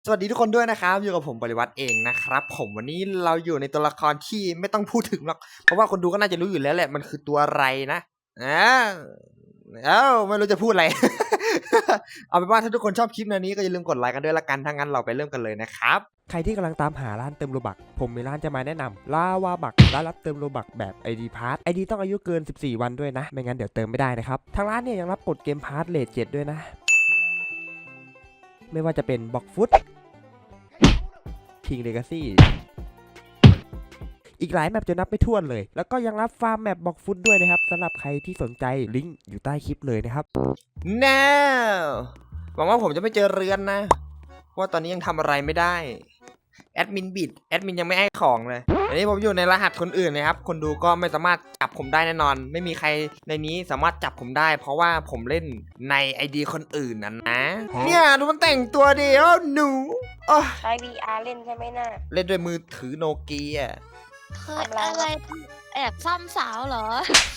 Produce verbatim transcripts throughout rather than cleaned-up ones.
สวัสดีทุกคนด้วยนะครับอยู่กับผมปริวัติเองนะครับผมวันนี้เราอยู่ในตัวละครที่ไม่ต้องพูดถึงหรอกเพราะว่าคนดูก็น่าจะรู้อยู่แล้วแหละมันคือตัวอะไรนะอ้าวเอ้าไม่รู้จะพูดอะไร เอาเป็นว่าถ้าทุกคนชอบคลิปนี้ก็อย่าลืมกดไลค์กันด้วยละกันถ้างั้นเราไปเริ่มกันเลยนะครับใครที่กำลังตามหาร้านเติมโลบักผมมีร้านจะมาแนะนำลาวาบักร้านรับเติมโลบักแบบ ไอ ดี Pass ไอ ดี ต้องอายุเกินสิบสี่วันด้วยนะไม่งั้นเดี๋ยวเติมไม่ได้นะครับทางร้านเนี่ยยังรับกดเกมพาร์ทเลทเจ็ดด้วยนะไม่ว่าจะเป็นบ็อกฟุตคิงเลกาซี่อีกหลายแมปจะนับไม่ถ้วนเลยแล้วก็ยังรับฟาร์มแมปบ็อกฟุตด้วยนะครับสำหรับใครที่สนใจลิงก์อยู่ใต้คลิปเลยนะครับแน่หวังว่าผมจะไม่เจอเรือนนะเพราะว่าตอนนี้ยังทำอะไรไม่ได้แอดมินบิดแอดมินยังไม่ให้ของเลยอันนี้ผมอยู่ในรหัสคนอื่นนะครับคนดูก็ไม่สามารถจับผมได้แน่นอนไม่มีใครในนี้สามารถจับผมได้เพราะว่าผมเล่นใน ไอ ดี คนอื่นนะนะเนี่ยดูมันแต่งตัวดิโอ้หนูใช้ วี อาร์ เล่นใช่ไหมน่ะเล่นด้วยมือถือโนเกียเคยอะไรแอบซ้ำสาวเหรอ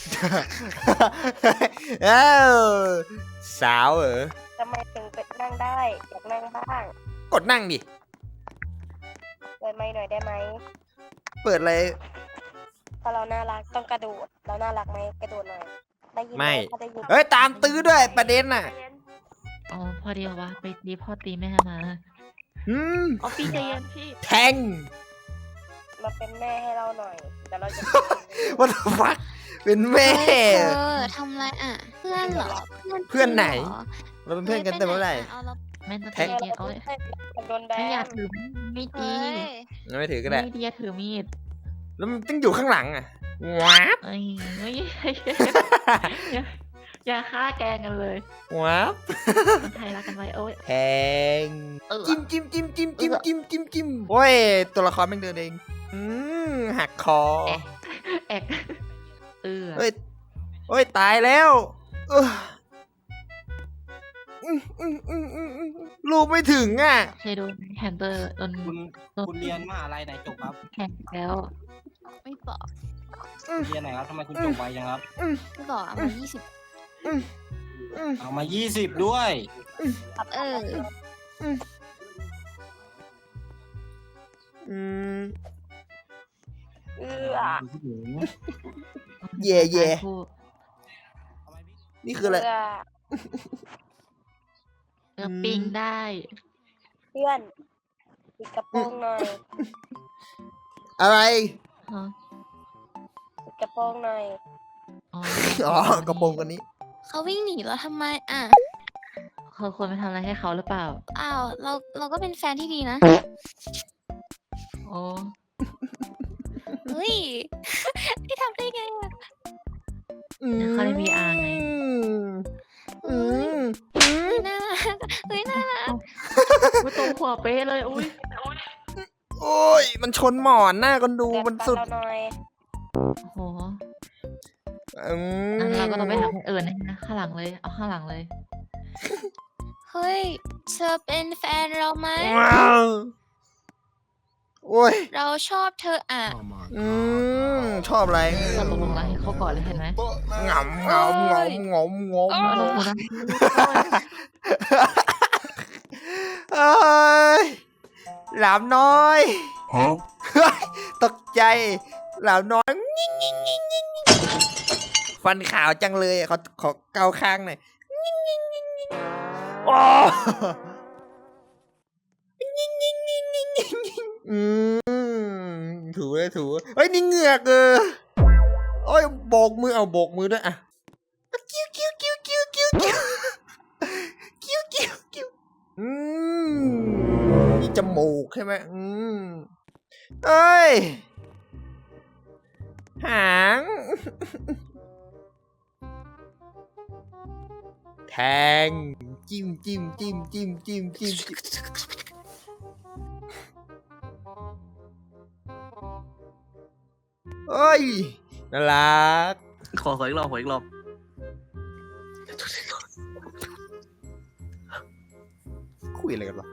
เอ้าสาวเหรอทำไมถึงเปิดนั่งได้อยากนั่งบ้างกดนั่งดิเปิดไมค์หน่อยได้ไหมเปิดอะไรถ้าเราน่ารักต้องกระโดดเราน่ารักไหมกระโดดหน่อยได้ยินไหมถ้าได้ยินเฮ้ยตามตื้อด้วยประเด็นน่ะอ๋อพอดีว่าไปดีพ่อตีแม่มาอืมอ๋อพี่ใจเย็นพี่แทงมาเป็นแม่ให้เราหน่อยแต่เราจะ What the fuck เป็นแม่เออทำไรอ่ะเพื่อนเหรอเพื่อนไหนเราเป็นเพื่อนกันแต่เมื่อไหร่แม่แทงโอ้ยโดนแบนไม่อยากถือมีดดีไม่ถือก็ได้ไม่ดีถือมีดแล้วมันต้องอยู่ข้างหลังอ่ะว้าบเอ้ยไม่อย่าฆ่าแกงกันเลยว้าบคนไทยรักกันไว้โอ้ยแทงจิ้มจิ้มจิ้มจิ้มจิ้มจิ้มจิ้มจิ้มโอ้ยตัวละครแม่งเดินเองอืมหักคอแอกเออเฮ้ยเฮ้ยตายแล้วเออลูกไม่ถึงอ่ะเคยโดนแฮมเบอร์โดนคุณคุณเรียนมหาลัยไหนจบครับแข่งแล้วไม่บอกเรียนไหนครับทำไมคุณจบไวจังครับไม่บอกเอามายี่สิบเอามายี่สิบด้วยเอออืมเออเย่เย่นี่คืออะไรเออปิงได้เพื่อนปิดกระโปรงหน่อยอะไรปิดกระโปรงหน่อยอ๋อกระโปรงกันนี้เขาวิ่งหนีแล้วทำไมอ่ะเขาควรไปทำอะไรให้เขาหรือเปล่าอ้าวเราเราก็เป็นแฟนที่ดีนะโอ้เฮ้ยพี่ทำได้ไงอ่ะเขาได้ วี อาร์ ไงเฮ้ยน่ารักเฮ้ยน่ารักอุ้ยตรงหัวเป๊ะเลยอุ้ยโอ้ยมันชนหมอนหน้าคนดูมันสุดโอ้โหเราก็ต้องไปหาคนอื่นนะข้างหลังเลยเอาข้างหลังเลยเฮ้ยเธอเป็นแฟนเราไหมโอ้ยเราชอบเธออ่ะอืมชอบอะไรเราตกลงแล้วให้เขาก่อนเลยเห็นไหมงำงำงำงำงำเอ้ยหลามน้อยตกใจหลามน้อยฟันขาวจังเลยเขาขอเกาข้างหน่อยโอ้อืมถูเลยถูเฮ้ยนี่เหงือกเออโอ้ยโบกมือเอาโบกมือด้วยอ่ะกิ้วกิ้วกิ้วกิ้วกิ้วกิ้วกิ้วกิ้วกิ้วอืมนี่จมูกใช่ไหมอืมเอ้ยหางแทงจิ้มจิ้มจิ้มจิ้มจิ้มจิ้มเอ้ยน่ารักขอขออีกรอบขออีกรอบคุยอะไรกันวะ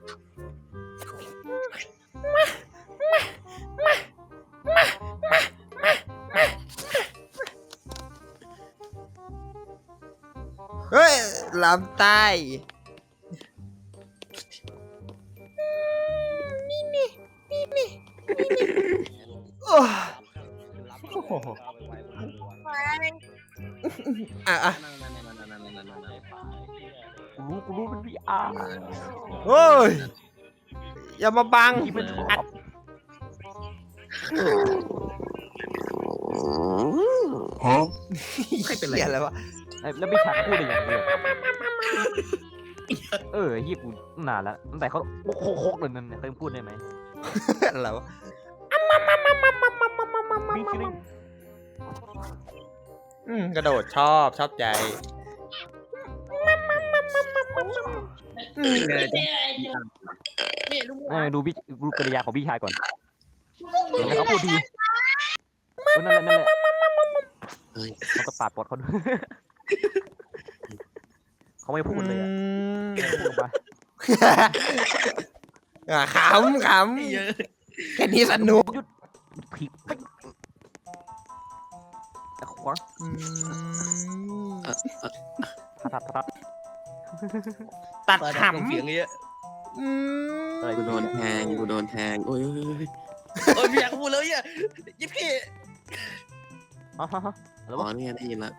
เฮ้ยลำใต้อ้โหอ่ะอ่ะกูรู้กูรู้มันพีอาร์โอ้ยอย่ามาบังที่มันชอบไม่เป็นไรเหี้ยอะไรวะแล้วไม่ชักพูดอะไรอย่างเดียวเออเฮียกูนานแล้วตั้งแต่เขาโคกโคกเลยนั่นเนี่ยเคยพูดได้ไหมอะไรวะวิ่งชิลิงอืมกระโดดชอบชอบใจอืมเออดูพี่ดูกริยาของพี่ชายก่อนแล้วเขาพูดดีนั่นแหละนั่นแหละเขาก็ปาดปอดเขาด้วยเขาไม่พูดเลยอ่ะพูดออกมาอ่ะขำขำแค่นี้สนุกหยุดผิดแต่ขวางอืมทัดทัดทัดตัดขเสียงเยอะำอืมอะไรกูโดนแทงกูโดนแทงโอ้ยเออไม่อยากพูดเลยอ่ะยิบพี่อ๋อแล้วอ๋วะอเนี่ยได้ยินละ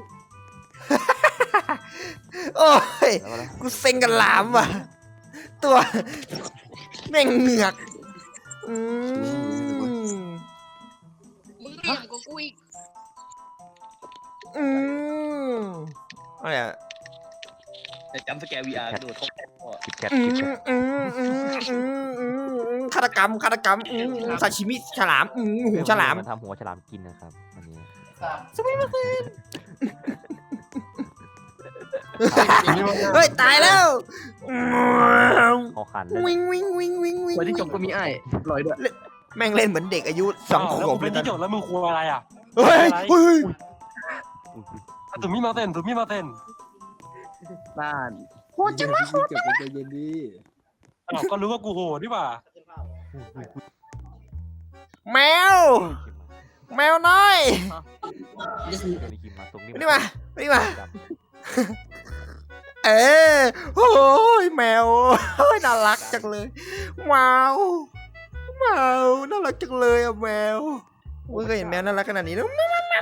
โอ้ยแล้ววะกูเซ็งกันหลามว่ะ ตัวแม่งเหงือกอืมมึงเบี่ยงกว่ากูอีกอืมอะไรอ่ะแต่จำสแกร์วีอาร์ดูเขาคิดแคทอืคิดมแคทอืมอืมอืมอืมอืมฆาตกรรมฆาตกรรมอืมซาชิมิฉลามอืมหูฉลามนทำหัวฉลามกินนะครับวันนี้เฮ้ย ตายแล้วคอขันเลยวิ่งวิ่งวิ่งวิ่งวิ่งวันที่จบก็มีไอ้ลอยด้วยแม่งเล่นเหมือนเด็กอายุสองขวบเป็นที่จดแล้วมึงครัวอะไรอ่ะเฮ้ยเฮ้ยตุ่มมีมาเต้นตุ่มมีมาเต้นบ้านโหดจังวะโหดจังวะใจเย็นดีอ้าวก็รู้ว่ากูโหดดีกว่าแมว แมวน้อยมาตรงนี้มานี่มามานี่มา เออโอ้ยแมวโอ้ยน่ารักจังเลยว้าวว้าวน่ารักจังเลยอะแมวไม่เคยเห็นแมวน่ารักขนาดนี้แล้ว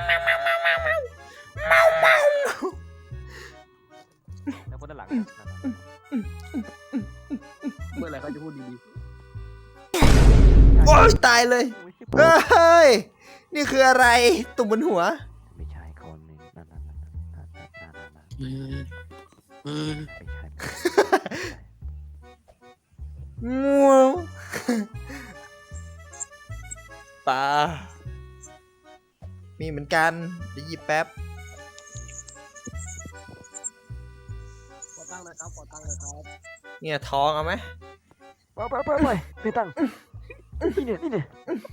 แล้วคนด้านหลังเมื่อไหร่เขาจะพูดดีโอ้ยตายเลยเฮ้ยนี่คืออะไรตุ่มบนหัวไม่ใช่คนนึงนั่นนั่นนั่นนั่นนั่นนั่นนั่นเออเออไม่ใช่งัวปลามีเหมือนกันเดี๋ยวหยิบแป๊บๆขอตั้งเลยครับขอตั้งเลยครับเนี่ยทองเอาไหมไปไปไปไปไม่ตั้งนี่เนี่ยนี่เนี่ย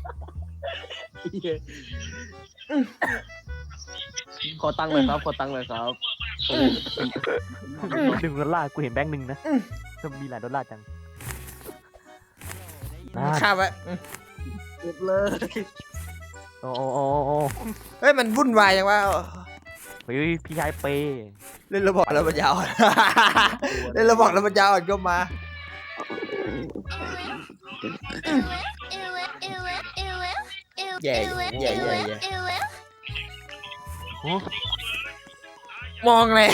ขอตั้งเลยครับขอตั้งเลยครับหนึ่งดอลลาร์กูเห็นแบงค์หนึ่งนะจะมีหลายดอลลาร์จังข้าวไว้อืมเก็บเลยโอ้โอ้โอ้โอ้เฮ้ยมันวุ่นวายจังวะเฮ้ยพี่ชายเปย์เล่นระบอกแล้วมันยาวอ่อน เล่นระบอกแล้วมันยาวอ่อนก็มา แย่แย่แย่แย่มองเลย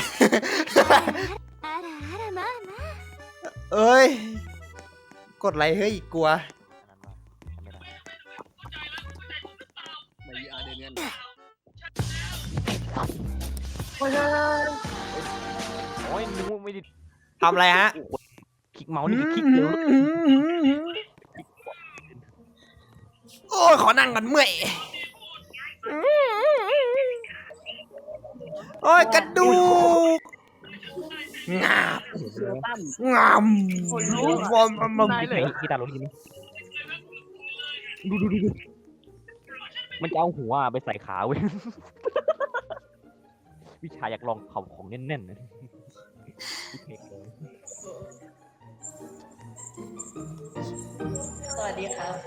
เอ้ย กดไลค์เฮ้ยกลัวในวีอาร์เดนเนียนโอ้ยนึกว่าไม่ได้ทำอะไรฮะคลิกเมาส์นี่คือคลิกเร็วโอ้ยขอนั่งก่อนเมื่อยโอ้ยกระดูกงาบงามวอมมมได้เลยพี่ตาลงทีนี้ดูดูดูดูมันจะเอาหัวไปใส่ขาเว้ยพี่ชายอยากลองเผาของแน่นๆนะสวัสดีครับ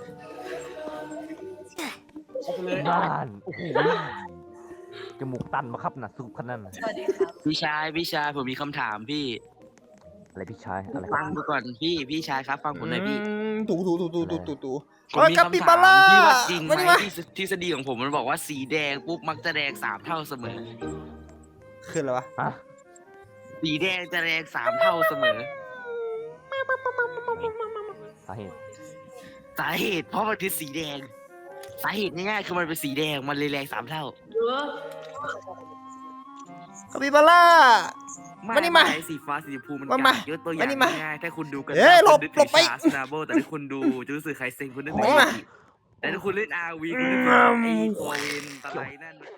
บ้านโอ้โหจมูกตันมาครับนะสูบขนาดนั้นสวัสดีครับพี่ชายพี่ชายผมมีคำถามพี่อะไรพี่ชายอะไรฟังดูก่อนพี่พี่ชายครับฟังผมหน่อยพี่มถูถูถูถูถูถูถูผมเฮ้ยมีคาปิคำบาถามร่าที่ว่าจริงไหมาดิมมาที่ทฤษฎีของผมมันบอกว่าสีแดงปุ๊บมักจะแดงสามเท่าเสมอขึ้นแล้ววะสีแดงจะแดงสามเท่าเสมอสาเหตุสาเหตุเพราะมันคือสีแดง สาเหตุง่ายๆคือมันเป็นสีแดงมันเลยแรงสามเท่าคาปิบาร่า มานี่มาไสีฟ้าสีชมพูมันมามากากยกตัวอย่ามานี่งมาง่ายๆถ้าคุณดูกันเอ้ยหลบคุณนึกหลถึบงไปชาสนาโบแต่ถ้าคุณดูจะรู้สึกใครเซ็งคุณนึกถึงมาแต่ถ้าคุณเล่นอาร์วีคุณนึกถึงไอ้โคเวนอะไรนั่น